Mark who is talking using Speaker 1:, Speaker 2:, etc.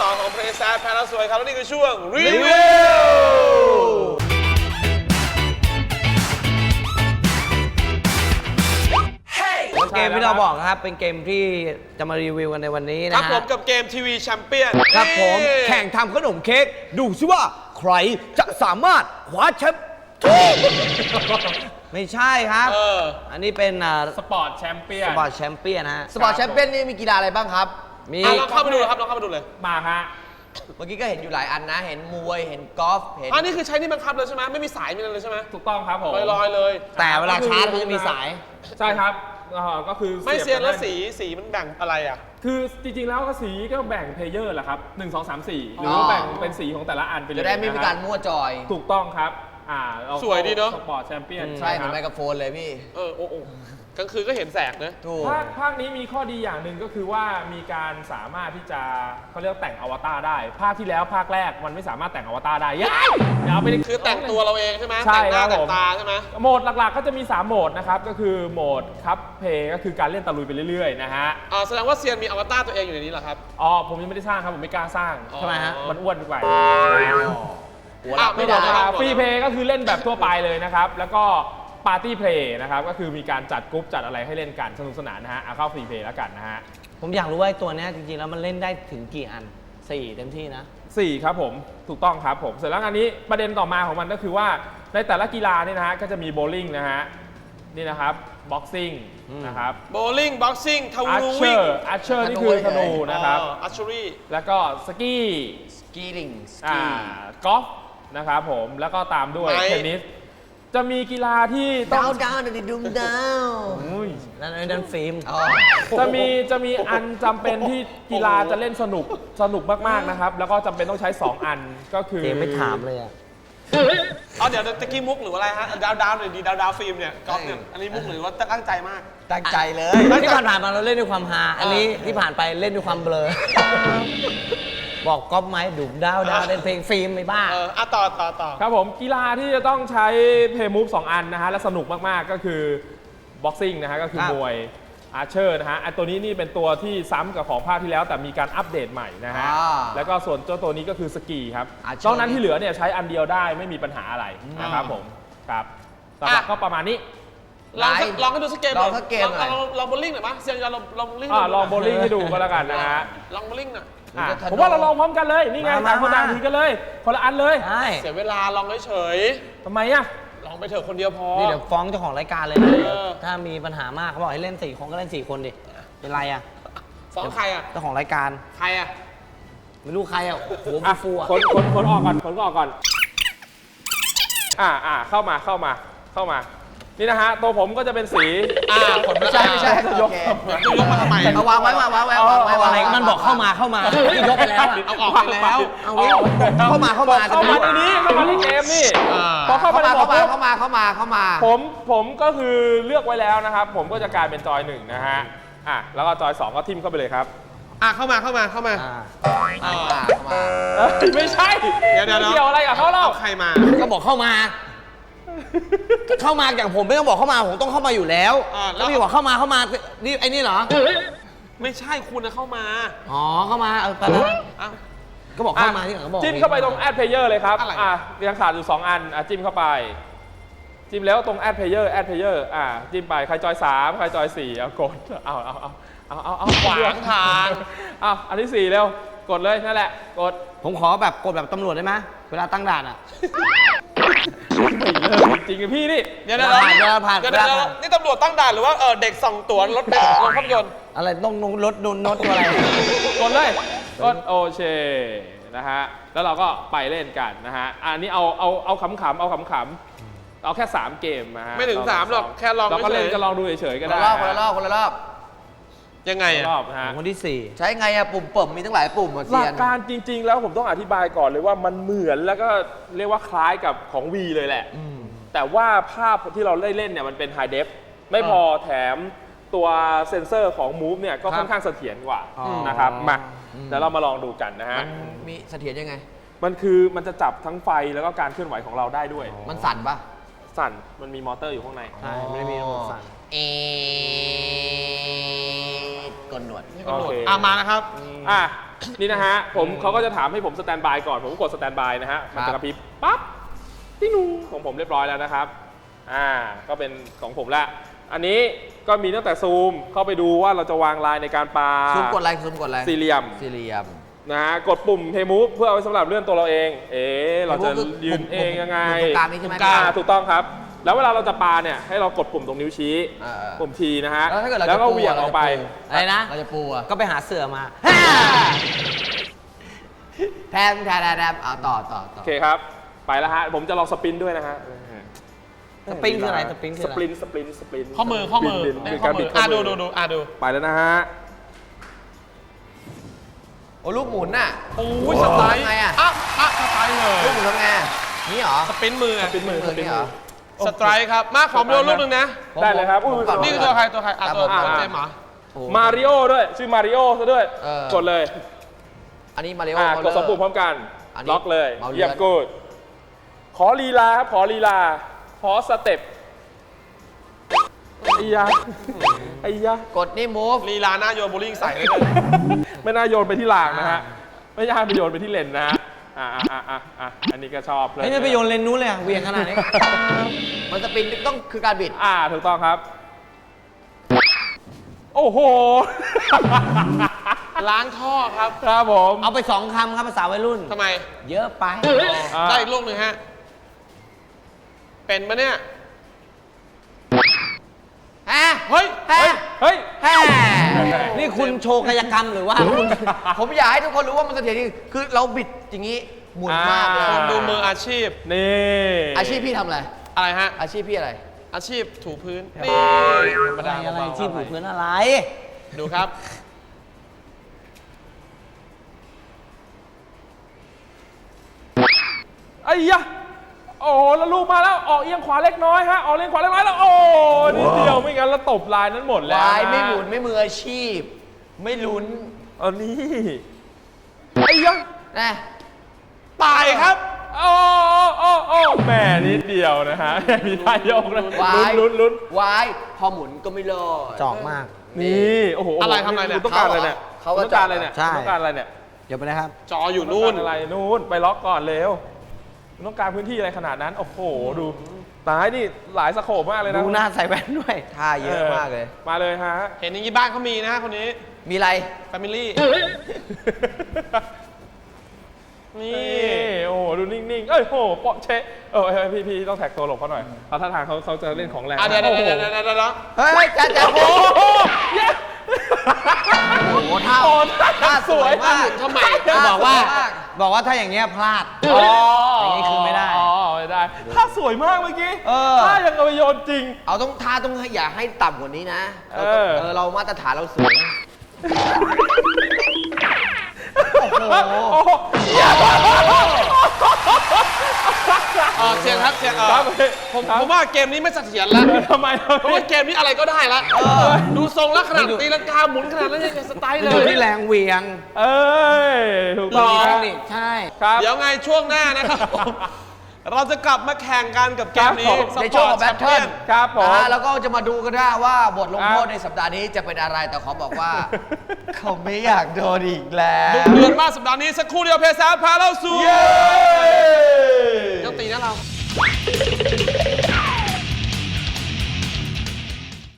Speaker 1: 2ของเพลย์แซดแพ้แล้วสวยครับและนี่คือช่วงรีวิว
Speaker 2: เกมที่เราบอกนะครับเป็นเกมที่จะมารีวิวกันในวันนี้นะ
Speaker 1: ครับ
Speaker 2: ฮะ
Speaker 1: ผมกับเกมทีวีแชมเปี้ยน
Speaker 2: ครับผมแข่งทำขนมเค้กดูซิว่าใครจะสามารถคว้าแชมป์ไม่ใช่ครับ อันนี้เป็น
Speaker 3: สปอร์ตแชมเปี้ยน
Speaker 2: สปอร์ตแชมเปี้ยนฮะ
Speaker 4: สปอร์ตแชมเปี้ยนนี่มีกีฬาอะไรบ้างครับ
Speaker 2: มี
Speaker 1: ลองเข้าไปดูเลยครับลองเข้าไปดูเลย
Speaker 3: มาฮะ
Speaker 4: เมื่อกี้ก็เห็นอยู่หลายอันนะ เห็นมวย เห็นกอล์ฟ เห็น
Speaker 1: อันนี้คือใช้นี่บังคับเลยใช่ไหมไม่มีสายมีอะไรเลยใช่ไหม
Speaker 3: ถูกต้องครับผม
Speaker 1: ลอยๆเลย
Speaker 2: แต่เวลาชาร์จมันจะมีสาย
Speaker 3: ใช่ครับก็คือ
Speaker 1: ไม่เซียนแล้ว
Speaker 3: สี
Speaker 1: สีมันแบ่งอะไรอ่ะ
Speaker 3: คือจริงๆแล้วก็สีก็แบ่งเพลเยอร์แหละครับ1 2 3 4หรือว่าแบ่งเป็นสีของแต่ละอันไปเลย
Speaker 4: จะได้ไม่มีการมั่วจอย
Speaker 3: ถูกต้องครับเรา
Speaker 1: สวยดีเนอะ
Speaker 3: สปอร์ตแชมเปี้ยน
Speaker 4: ใช่เหมือนไมโครโฟนเลยพี่
Speaker 1: โอ้กลางคืนก็เห็นแสงนะ
Speaker 4: ถูก
Speaker 3: ภาคนี้มีข้อดีอย่างหนึ่งก็คือว่ามีการสามารถที่จะเขาเรียกแต่งอวตารได้ ภาคที่แล้วภาคแรกมันไม่สามารถแต่งอวตารได้อย่าเอาไป
Speaker 1: คือแต่งตัวเราเองใช่ไหม
Speaker 3: ใช่
Speaker 1: แต่งหน้า
Speaker 3: ครับ
Speaker 1: แต่ง
Speaker 3: ผม
Speaker 1: ตาใช่ไหม
Speaker 3: โหมดหลักๆก็จะมี3โหมดนะครับก็คือโหมดคัพเพย์ก็คือการเล่นตะลุยไปเรื่อยๆนะฮะ
Speaker 1: แสดงว่าเซียนมีอวตารตัวเองอยู่ในนี้เหรอครับ
Speaker 3: ผมยังไม่ได้สร้างครับผมไม่กล้าสร้าง
Speaker 1: ทำไมฮะ
Speaker 3: มันอ้วนไป
Speaker 1: ไม่ได้
Speaker 3: ฟรีเพย์ก็คือเล่นแบบทั่วไปเลยนะครับแล้วก็ปาร์ตี้เพลย์นะครับก็คือมีการจัดกรุ๊ปจัดอะไรให้เล่นกันสนุกสนานนะฮะเข้าฟรีเพย์แล้วกันนะฮะ
Speaker 2: ผมอยากรู้ว่าไอ้ตัวเนี้ยจริงๆแล้วมันเล่นได้ถึงกี่อัน4เต็มที่นะ
Speaker 3: 4ครับผมถูกต้องครับผมเสร็จแล้วอันนี้ประเด็นต่อมาของมันก็คือว่าในแต่ละกีฬาเนี่ยนะฮะก็จะมีโบว์ลิ่งนะฮะนี่นะครับบ็อกซิ่งนะครับ
Speaker 1: โบลิ่งบ็อกซิ่งทา
Speaker 3: อาร์
Speaker 1: วู
Speaker 3: เช
Speaker 1: วิ่
Speaker 3: อง ร์อาร์เชอร์นี่คือธนูนะครับ
Speaker 1: อาร์ชูรี่
Speaker 3: แล้วก็สกี
Speaker 4: สกีลิงส
Speaker 3: ก
Speaker 4: กี
Speaker 3: อล์ฟนะครับผมแล้วก็ตามด้วย
Speaker 1: ไม้
Speaker 3: เทนนิสจะมีกีฬาที่ต้
Speaker 4: ดา
Speaker 3: อง
Speaker 4: วดาวดิดุมดาว
Speaker 3: อุ้ย
Speaker 2: นั่นฟิล์ม
Speaker 3: จะมีอันจำเป็นที่กีฬาจะเล่นสนุกมากๆนะครับแล้วก็จำเป็นต้องใช้ 2 อันก็คือ
Speaker 2: เกมไม่ถามเลยอ่ะ
Speaker 1: เดี๋ยวตะกี้มุกหรืออะไรฮะดาวหน่อยดีดาวฟิล์มเนี่ยกอล์ฟเนี่ยอันนี้มุกหรือว่าตั้งใจมาก
Speaker 4: ตั้งใจเลย
Speaker 2: ที่ผ่านๆมาเราเล่นด้วยความฮาอันนี้ที่ผ่านไปเล่นด้วยความเบลอ บอกก๊อปไหมดุมดาวเล่นเพลงฟิล์มไม่บ้า
Speaker 1: ต่อ
Speaker 3: ครับผมกีฬาที่จะต้องใช้เพย์มูฟ2อันนะฮะและสนุกมากๆก็คือบ็อกซิ่งนะฮะก็คือ
Speaker 2: ครับ
Speaker 3: มวยอาร์เชอร์นะฮะตัวนี้นี่เป็นตัวที่ซ้ำกับของภาคที่แล้วแต่มีการอัปเดตใหม่นะฮะแล้วก็ส่วนเจ้าตัวนี้ก็คือสกีครับนอกนั้นที่เหลือเนี่ยใช้อันเดียวได้ไม่มีปัญหาอะไรนะครับผมครับหลักๆก็ประมาณนี้
Speaker 1: ลองให้ดูสักเกม
Speaker 4: ลองสักเกมหน่อย
Speaker 1: ลองโบลิ่งหน่อยมั้ยเซียนจะลองโบลิ่ง
Speaker 3: ลองโบว์ลิ่งให้ดูก็แล้วกันนะฮะ
Speaker 1: ลองโบลิ่งหน่อย
Speaker 3: ผมว่าเราลองพร้อมกันเลยนี่ไงต่างคนต่างถือกันเลยคนละอันเลย
Speaker 2: ใช่
Speaker 1: เสียเวลาลองเฉย
Speaker 3: ทำไมอะ
Speaker 1: ๆลองไปเถอะคนเดียวพอ
Speaker 2: นี่เดี๋ยวฟ้องเจ้าของรายการเลยนะ ถ้ามีปัญหามากเขาบอกให้เล่น4 คนก็เล่น4 คนดิ เป็นไรอ่ะ
Speaker 1: ฟ้องใครอ่ะ
Speaker 2: เจ้าของรายการ
Speaker 1: ใครอ่ะ
Speaker 2: ไม่รู้ใครอ่ะหัวฟูๆอ่ะ
Speaker 3: คนออกก่อนคนออกก่อนเข้ามานี่นะฮะตัวผมก็จะเป็นสี
Speaker 1: คน
Speaker 4: ไม่ใช่โอเค
Speaker 1: จะยกมาทำไม
Speaker 4: เอาวางไว้
Speaker 2: อะไรมันบอกเข้ามาที่ยกไปแล้วอ่ะ
Speaker 1: เอาออกไปแล้ว
Speaker 2: เอางี้เข้ามา
Speaker 3: เข้ามาในนี้เข้ามาในเกมนี่พอเข้ามาในบอร์ดปุ๊บ
Speaker 4: เข้ามา
Speaker 3: ผมก็คือเลือกไว้แล้วนะครับ ผมก็จะกลายเป็นจอย1นะฮะแล้วก็จอย2ก็ทิมเข้าไปเลยครับ
Speaker 1: เข้ามา
Speaker 3: ไม่ใช่
Speaker 1: เดี๋ยว
Speaker 3: ไม่เกี่ยวอะไรกับเขาเล่า
Speaker 1: ใครมา
Speaker 2: ก็บอกเข้ามาอย่างผมไม่ต้องบอกเข้ามาผมต้องเข้ามาอยู่แล้ว แล้วพี่บอกเข้ามานี่ไอ้นี่เหรอ
Speaker 1: ไม่ใช่คุณนะเข้ามา
Speaker 2: อ๋อเข้ามาไปแล้วก็บอกเข้ามาที่หลังก็บอก
Speaker 3: จิ้มเข้าไปตรง add player เลยครับ
Speaker 1: อะไร
Speaker 3: ยังขาดอยู่2อันจิ้มเข้าไปจิ้มแล้วตรง add player จิ้มไปใครจอย3ใครจอย4กดเอา
Speaker 1: ขวางทาง
Speaker 3: อันที่4เร็วกดเลยนั่นแหละกด
Speaker 2: ผมขอแบบกดแบบตำรวจได้ไหมเวลาตั้งด่านอ่ะ
Speaker 3: จริงๆพี่นี่
Speaker 1: เดี๋ยว
Speaker 2: ผ่าน
Speaker 1: นี่ตำรวจตั้งด่านหรือว่าเด็กส่องตั๋วรถเด็กลงภาพยนตร์
Speaker 2: อะไรต้องรถโน้ตตัวอะไร
Speaker 3: กดเลยกดโอเคนะฮะแล้วเราก็ไปเล่นกันนะฮะอันนี้เอาขำๆเอาแค่3เกมนะฮะ
Speaker 1: ไม่ถึง3หรอกแค่ลอง
Speaker 3: เราก็เล่น
Speaker 1: เฉยๆ
Speaker 3: ก็ลองดูเฉยๆก็
Speaker 4: คน
Speaker 3: ได้
Speaker 4: ละรอบ
Speaker 1: ยังไงอ่ะ
Speaker 3: รอบนะฮะ
Speaker 2: คนที่
Speaker 4: ใช้ไงอะปุ่มเปิ่มมีตั้งหลายปุ่ม
Speaker 3: ห
Speaker 4: เซี
Speaker 3: ลั
Speaker 4: ย
Speaker 3: ก
Speaker 4: น
Speaker 3: การจริง ๆ แล้วผมต้องอธิบายก่อนเลยว่ามันเหมือนแล้วก็เรียกว่าคล้ายกับของ V เลยแหละแต่ว่าภาพที่เราได้เล่นเนี่ยมันเป็นไฮเดฟไม่พอแถมตัวเซ็นเซอร์ของ Move เนี่ยก็ค่อนข้างเสถียรกว่านะครับมาเดี๋ยวเรามาลองดูกันนะฮะ
Speaker 4: มันมีเสถียรยังไง
Speaker 3: มันจะจับทั้งไฟแล้วก็การเคลื่อนไหวของเราได้ด้วย
Speaker 4: มันสั่นปะ
Speaker 3: สั่นมันมีมอเตอร์อยู่ข้างใน
Speaker 2: 4 ใช่ไม่ได้มีระบบสั่น
Speaker 4: กดหนวด
Speaker 3: โอเค
Speaker 1: มานะครับ
Speaker 3: นี่นะฮะเขาก็จะถามให้ผมสแตนบายก่อนผมก็กดสแตนบายนะฮะมันจะกระพริบปั๊บติ๊งนูของผมเรียบร้อยแล้วนะครับก็เป็นของผมละอันนี้ก็มีตั้งแต่ซูมเข้าไปดูว่าเราจะวางลายในการปา
Speaker 4: ซูมกดอะไรซูมกดอะไร
Speaker 3: สี่เหลี่ยม
Speaker 4: สี่เหลี่ยม
Speaker 3: นะฮะกดปุ่มเทมูฟเพื่อเอาไว้สำหรับเลื่อนตัวเราเอง เราจะยืนเองยังไง
Speaker 4: ตรงกลางนี้ใช่ไหม
Speaker 3: ถูกต้องครับ แล้วเวลาเราจะปาเนี่ยให้เรากดปุ่มตรงนิ้วชี้ปุ่มทีนะฮะ
Speaker 4: แล้วถ้าเกิดเรา
Speaker 3: แล้ว
Speaker 4: จะ
Speaker 3: ก็
Speaker 4: ปู
Speaker 3: เหวี่ยงออกไป
Speaker 2: อะไรนะ
Speaker 4: เราจะปูอะ
Speaker 2: ก็ไปหาเสือมา
Speaker 4: แทมต่อ
Speaker 3: โอเคครับ ไปแล้วฮะผมจะลองสปรินด้วยนะฮะ
Speaker 2: สปริงคืออะไรสปริงคือ
Speaker 3: ส
Speaker 2: อะไร
Speaker 3: ปรินสปริน
Speaker 1: ข้อมือ
Speaker 3: บิด
Speaker 1: ข้อ
Speaker 3: การ
Speaker 1: มื
Speaker 3: บิ
Speaker 1: อ
Speaker 3: ดข้อมือ
Speaker 1: ดู
Speaker 3: ไปแล้วนะฮะ
Speaker 4: โอ้ลูกหมุนน่ะ
Speaker 1: โอ้ยสไตล์
Speaker 4: ทำไงอะ
Speaker 1: สไตล์เลย
Speaker 4: ลูกหมุนทำไงนี่เหรอ
Speaker 1: สปรินมือ
Speaker 3: สปรินมือสปริน
Speaker 4: นี่เหร
Speaker 3: มื
Speaker 4: อ
Speaker 3: อ
Speaker 1: สไตร์ครับ มาขอดูรูปหนึงนะ
Speaker 3: ได้เลยครับ
Speaker 4: ผมก่อน
Speaker 1: นี่คือตัวใครตัว
Speaker 4: ครับผม
Speaker 1: เจมส์เหรอ
Speaker 4: โอ้
Speaker 3: มาริโอด้วยชื่อมาริโอซะด้วย กดเลย
Speaker 4: อันนี้มาริโอก
Speaker 3: ดสองปุ่มพร้อมกัน
Speaker 4: อันนี้
Speaker 3: ล็อกเลย
Speaker 4: เมาส์เลื่อน
Speaker 3: เยี่ยมกูดขอลีลาครับขอลีลาขอสเต็ปไอ้ยะ
Speaker 4: กดนี่ move
Speaker 1: ลีลาหน้าโยนโบลิ่งใส่เลย
Speaker 3: ไม่น่าโยนไปที่รางนะฮะไม่น่าไปโยนไปที่เลนนะฮะอันนี้ก็ชอบเลย
Speaker 2: ไอ้นี่ไปโยนเลนนู้นเลยอะเวียงขนาดนี้
Speaker 4: มันสปินต้องคือการบิด
Speaker 3: ถูกต้องครับ โอ้โห
Speaker 1: ล้างท่อครับ
Speaker 3: ครับผม
Speaker 2: เอาไป2 คำครับภาษาวัยรุ่น
Speaker 1: ทำไม
Speaker 2: เยอะไป
Speaker 1: ได้อีกลูกหนึ่งฮะ เป็นปะเนี่ย
Speaker 4: ฮะ
Speaker 1: เฮ้ย
Speaker 4: ฮะ
Speaker 3: เฮ้ย
Speaker 4: ฮะ
Speaker 2: นี่คุณโชว์กายกรรมหรือว่าคุณ
Speaker 4: ผมอยากให้ทุกคนรู้ว่ามันเสถียรจริงคือเราบิดอย่างนี้หมุนมากเลย
Speaker 1: คนดูมืออาชีพ
Speaker 3: นี่
Speaker 4: อาชีพพี่ทำอะไร
Speaker 1: อะไรฮะ
Speaker 4: อาชีพพี่อะไร
Speaker 1: อาชีพถูพื้น นี่ธรรมดา
Speaker 2: อะไร
Speaker 1: เบาๆ
Speaker 2: ที่ผูกพื้นอะไร
Speaker 1: ดูครับ
Speaker 3: ไอ้ยะโอ้แล้วลูกมาแล้วออกเอียงขวาเล็กน้อยฮะออกเอียงขวาเล็กน้อยแล้วโอ้นิดเดียวไม่งั้นเราตบลายนั้นหมดแล้ว
Speaker 4: วาย
Speaker 3: นะ
Speaker 4: ไม่หมุนไม่มืออาชีพ ไม่ลุ้น
Speaker 3: อันนี้ไอ้ยะ
Speaker 4: นะ
Speaker 1: ตายครับ
Speaker 3: โอ้แหม่นิดเดียวนะฮะมีท่ายกนะ
Speaker 4: วาย
Speaker 3: ลุ้น
Speaker 4: วายพอหมุนก็ไม่รอด
Speaker 2: จอกมาก
Speaker 3: นี่โอ้โห
Speaker 1: อะไรทำอะไรเนี่ย
Speaker 3: คุณต้องการอะไรเนี่ย
Speaker 4: เขา
Speaker 3: คุณ
Speaker 4: ว่า
Speaker 3: ต้องการอะไรเนี่ย
Speaker 2: ใช่
Speaker 3: คุณต้องการอะไรเนี่ย
Speaker 2: เดี๋ยวไปนะครับ
Speaker 1: จออยู่นู่น
Speaker 3: คุณต้องการอะไรนู่นไปล็อกก่อนเร็วคุณต้องการพื้นที่อะไรขนาดนั้นโอ้โหดูตายนี่หลายสโคปมากเลยนะ
Speaker 2: ดูหน้าใส่แว่นด้วย
Speaker 4: ท่าเยอะมากเลย
Speaker 3: มาเลยฮะ
Speaker 1: เห็นอย่างนี้บ้านเขามีนะฮะคนนี้
Speaker 4: มีอะไร
Speaker 1: แฟมิลี่ นี่
Speaker 3: นี่โอ้โหดูนิ่งๆเอ้ยโหเปาะเชะพี่ต้องแท็กตัวหลบเขาหน่อยเพราะท่าทางเขาจะเล่นของแรง
Speaker 1: เดี๋ยว
Speaker 3: โอ้โห
Speaker 4: เฮ้ยจ้าโอ้
Speaker 3: โอ้โหเย้
Speaker 4: โหท่า
Speaker 3: โอ้
Speaker 4: ท่าสวยมาก
Speaker 1: ทำไม
Speaker 2: บอกว่าถ้าอย่างเงี้ยพลาด อย่างนี้คือไม่ได้
Speaker 3: ไม่ได้ท่าสวยมากเมื่อกี้
Speaker 2: เออ
Speaker 3: ท่ายังเอาไปโยนจริง
Speaker 4: เอาต้องท่าต้องอย่าให้ต่ำกว่านี้นะเรา
Speaker 3: เออ
Speaker 4: เรามาตรฐานเราสูง
Speaker 3: โอ้โห
Speaker 1: เสียงครับเสียง
Speaker 3: ครับ
Speaker 1: ผมว่าเกมนี้ไม่เสถียรแล้ว
Speaker 3: ทำไม
Speaker 1: เพราะว่าเกมนี้อะไรก็ได้แล้วดูทรงแล้วขนาดตีลังกาหมุนขนาดนั้นยังสไตล์เล
Speaker 2: อยู่
Speaker 1: ย
Speaker 2: ที่แรงเหวียง
Speaker 3: เอ้ยถูกต้อง
Speaker 2: มีเท
Speaker 3: ค
Speaker 2: ครับ นิคใช่
Speaker 3: ครับ
Speaker 1: เดี๋ยวไงช่วงหน้านะครับผมเราจะกลับมาแข่งกันกับเกมนี้
Speaker 4: ในช่วงของแบทเทิล
Speaker 3: ครับผม
Speaker 4: แล้วก็จะมาดูกันได้ว่าบทลงโทษในสัปดาห์นี้จะเป็นอะไรแต่ขอบอกว่า เขาไม่อยากโดนอีกแล้ว
Speaker 1: เดือนมากสัปดาห์นี้สักครู่เดียวเพซาพาเราสู่
Speaker 3: เย้
Speaker 1: ยังตีนะเรา